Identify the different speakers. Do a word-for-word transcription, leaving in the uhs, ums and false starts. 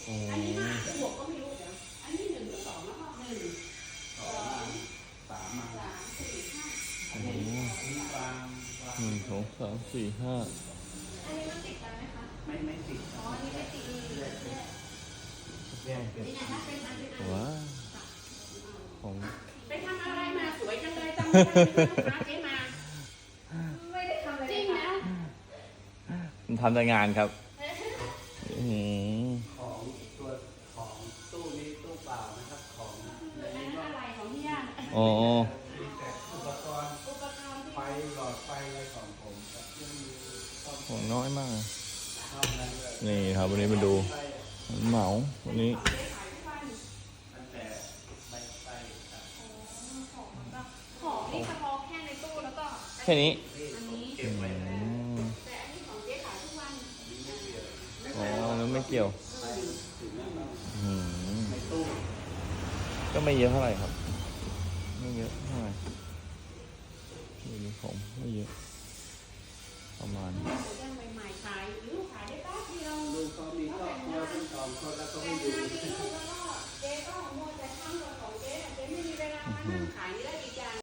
Speaker 1: โอ้
Speaker 2: อันนี้ห้าหรือหกก็ไม่รู้เดี๋ยวอันนี้หนึ่งหรือสองแล้วก็หนึ่งสอง
Speaker 3: สามมา
Speaker 2: สามสี่ห้า
Speaker 1: โห
Speaker 3: นี่วางวาง
Speaker 1: หนึ่งสองสามสี่ห้า
Speaker 2: อันนี้มันติดกันไหมคะ
Speaker 3: ไม่ไม่ติด
Speaker 2: อ๋ออันนี้ไม่ติดแยกแยก
Speaker 3: แยกเป็น
Speaker 2: นี่ไงถ้าเป็นอันเป็นอัน
Speaker 1: ว้าของ
Speaker 2: ไปทำอะไรมาสวยจังเลยจำไม่ได้เลยนะคะเจ๊มาไม่ได้ทำอะไรจริงนะ
Speaker 1: มันทำแต่งานครับอืม
Speaker 3: ของตัวของตู้นี้ตู้เปล่านะครับของใน
Speaker 2: อัน
Speaker 3: นี้
Speaker 2: นั้น
Speaker 3: ก็
Speaker 2: อะไรของพี่ย่า
Speaker 1: อ๋อ
Speaker 3: มีแต่อุปกรณ์
Speaker 2: อุปกรณ์ที่
Speaker 3: ไฟหลอดไฟอะไรของผมครับยังมีซ่อม
Speaker 1: ของน้อยมาก
Speaker 3: ซ่อมนั้นเลย
Speaker 1: นี่ครับวันนี้มาดู
Speaker 3: ไฟ
Speaker 1: เหมาวันนี้
Speaker 2: ของเจ๊ขายทุกวัน
Speaker 3: ตั้งแต่ใบไฟครับ
Speaker 2: ของมันก็ของนี่เฉพาะแค่ในตู้แล้วก็
Speaker 1: แค่นี้
Speaker 3: นี่
Speaker 2: อัน
Speaker 3: ผม
Speaker 2: นี้
Speaker 3: เก็บไว้
Speaker 1: อื
Speaker 3: ให้
Speaker 1: ม
Speaker 2: แต่อันนี้ของเจ๊ขายทุกวัน
Speaker 1: อ๋อแล้วไม่เกี่ยว
Speaker 3: ไปถึงแล้วก็
Speaker 1: อืม
Speaker 3: ในตู้
Speaker 1: ก็ไม่เยอะเท่าไหร่ครับ ไม่เยอะเท่าไหร่ดูนี่ผมไม่เยอะ ประมาณ
Speaker 2: เจ๊